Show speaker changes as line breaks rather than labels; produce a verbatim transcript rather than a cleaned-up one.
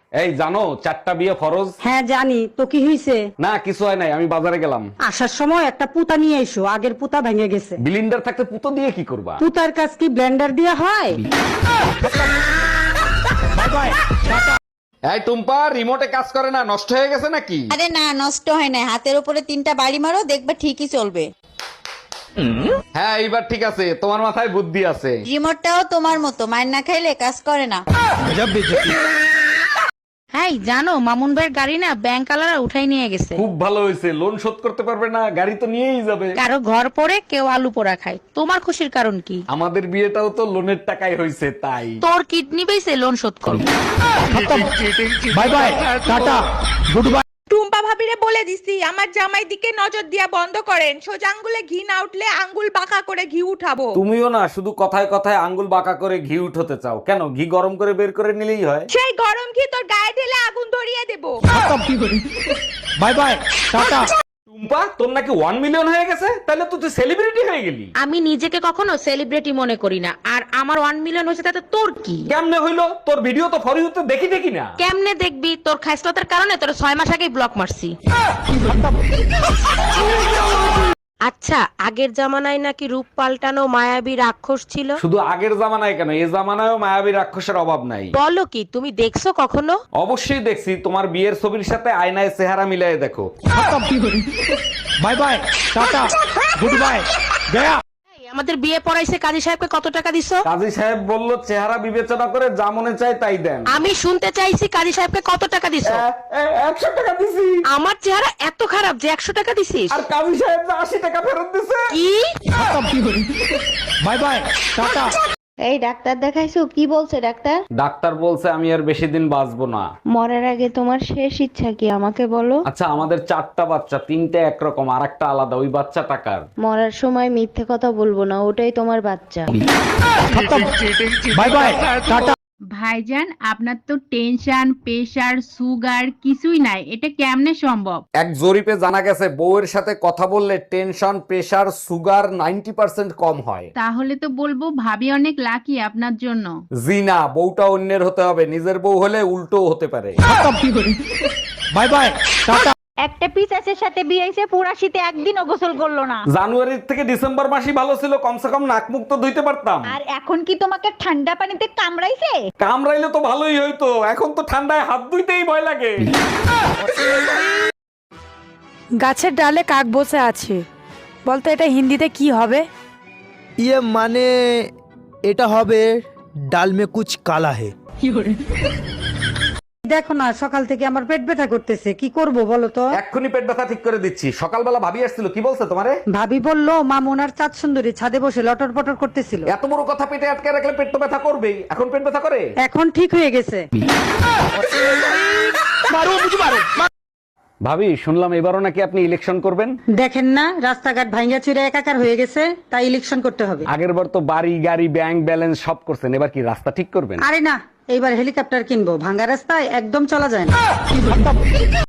এই জানো চারটা বিয়ে ফরজ?
হ্যাঁ জানি, তো কি হইছে?
না কিছু হয় নাই, আমি বাজারে গেলাম।
আসার সময় একটা পুতা নিয়ে এসো, আগের পুতা ভেঙে গেছে।
বিলিন্ডার থাকতে পুতো দিয়ে কি করবা?
পুতার কাজ কি ব্লেন্ডার দিয়া হয়?
এই টুম্পা, রিমোটে কাজ করে না, নষ্ট হয়ে গেছে নাকি?
আরে না, নষ্ট হয় না। হাতের উপরে তিনটা বাড়ি মারো, দেখবে ঠিকই চলবে।
হ্যাঁ এইবার ঠিক আছে, তোমার মাথায় বুদ্ধি আছে।
রিমোটটাও তোমার মতো, মায়ের না খাইলে কাজ করে না।
হ্যাঁ জানো, মামুন ভাইয়ের গাড়ি না ব্যাংক আলারা উঠাই নিয়ে গেছে।
খুব ভালো হয়েছে, লোন শোধ করতে পারবে না, গাড়ি তো নিয়েই যাবে।
কারো ঘর পড়ে কেউ আলু পোড়া খায়, তোমার খুশির কারণ কি?
আমাদের বিয়েটাও তো লোনের টাকায় হয়েছে তাই।
তোর কিডনি বেঁচে লোন শোধ করো।
Bye bye, tata, good bye.
Tumpa ভাবিরে বলে দিছি আমার জামাই দিকে নজর দিয়া বন্ধ করেন, সোজা আঙ্গুলে ঘি না উঠলে আঙ্গুল বাঁকা করে ঘি উঠাবো।
তুমিও না শুধু কথায় কথায় আঙ্গুল বাঁকা করে ঘি উঠতে চাও কেন? ঘি গরম করে বের করে নিলেই হয়।
সেই গরম ঘি তোর গায়ে ঢেলে আগুন ধরিয়ে দেবো।
By bye, tata. টুম্পা, তোর নাকি ওয়ান মিলিয়ন হয়ে গেছে, তাহলে তো তুই সেলিব্রিটি হয়ে গেলি।
আমি নিজেকে কখনো সেলিব্রিটি মনে করি না, আর আমার ওয়ান মিলিয়ন হয়েছে তাতে তোর কি?
কেমনে হইলো? তোর ভিডিও তো ফর ইউতে দেখি দেখি না।
কেমনে দেখবি? তোর খাইসলতার কারণে তোর ছয় মাস আগেই ব্লক মারছি। আচ্ছা, আগের জামানায় নাকি রূপ পাল্টানো মায়াবী রাক্ষস ছিল।
শুধু আগের জামানায় কেন, এই জামানায়ও মায়াবী রাক্ষসের অভাব নাই।
বলো কি, তুমি দেখছো কখনো?
অবশ্যই দেখছি, তোমার বিয়ের ছবির সাথে আয়নায় চেহারা মিলাই দেখো। Bye bye, tata, good bye, গয়া।
এই, আমাদের বিয়ে পড়াইছে কাজী সাহেবকে কত টাকা দিছো?
কাজী সাহেব বলল চেহারা বিবেচনা করে যা মনে চায় তাই দেন।
আমি শুনতে চাইছি কাজী সাহেবকে কত টাকা দিছো?
একশো টাকা দিছি।
আমার চেহারা এত খারাপ যে একশো টাকা দিছিস?
আর কাজী সাহেব যে আশি টাকা ফেরত দিছে।
কি?
Bye bye, tata.
এই ডাক্তার দেখাইছো? কি বলছে ডাক্তার?
ডাক্তার বলছে আমি আর বেশি দিন বাঁচবো না।
মরার আগে তোমার শেষ ইচ্ছা কি আমাকে বলো?
আচ্ছা, আমাদের চারটা বাচ্চা, তিনটে একরকম আর একটা আলাদা, ওই বাচ্চা টাকার।
মরার সময় মিথ্যে কথা বলবো না, ওটাই তোমার বাচ্চা।
Bye bye, tata.
ভাইজান, আপনার তো টেনশন, প্রেশার, সুগার কিছুই নাই, এটা কেমনে সম্ভব?
এক জরিপে জানা গেছে বউয়ের সাথে কথা বললে tension, pressure, sugar ninety percent কম হয়।
তাহলে তো বলবো ভাবি অনেক লাকি আপনার জন্য।
জি না, বউটা অন্যের হতে হবে, নিজের বউ হলে উল্টো হতে পারে। Bye bye, tata.
একটা পিসাচের সাথে বিয়ে হইছে, পুরা শীতে একদিনও গোসল করলো না।
জানুয়ারি থেকে ডিসেম্বর মাসই ভালো ছিল, কমসে কম নাক মুখ তো ধুইতে পারতাম।
আর এখন কি তোমাকে ঠান্ডা পানিতে কামড়াইছে?
কামড়াইলে তো ভালোই হইতো, এখন তো ঠান্ডায় হাত ধুইতেই ভয় লাগে।
গাছের ডালে কাক বসে আছে, বলতো এটা হিন্দিতে কি হবে?
ইয়ে মানে এটা হবে ডাল মে কুছ কালা হে।
দেখো না, সকাল থেকে আমার পেট ব্যথা করতেছে, কি করব বলো তো?
এক্ষুনি পেট ব্যথা ঠিক করে দিচ্ছি। সকালবেলা ভাবি আসছিল, কি বলছে তোমারে?
ভাবি বললো মামুন আর চাঁদ সুন্দরী ছাদে বসে লটর পটর করতেছিল।
এত বড় কথা পেটে আটকে রাখলে পেট তো ব্যথা করবেই। এখন পেট ব্যথা করে?
এখন ঠিক হয়ে গেছে।
ভাবি, শুনলাম এবারও নাকি আপনি ইলেকশন করবেন।
দেখেন না, রাস্তাঘাট ভাঙ্গা চুরে একাকার হয়ে গেছে, তাই ইলেকশন করতে হবে।
আগের বার তো বাড়ি গাড়ি ব্যাংক ব্যালেন্স সব করছেন, এবার কি রাস্তা ঠিক করবেন?
আরে না, এইবার হেলিকপ্টার কিনবো, ভাঙ্গা রাস্তায় একদম চলা যায় না।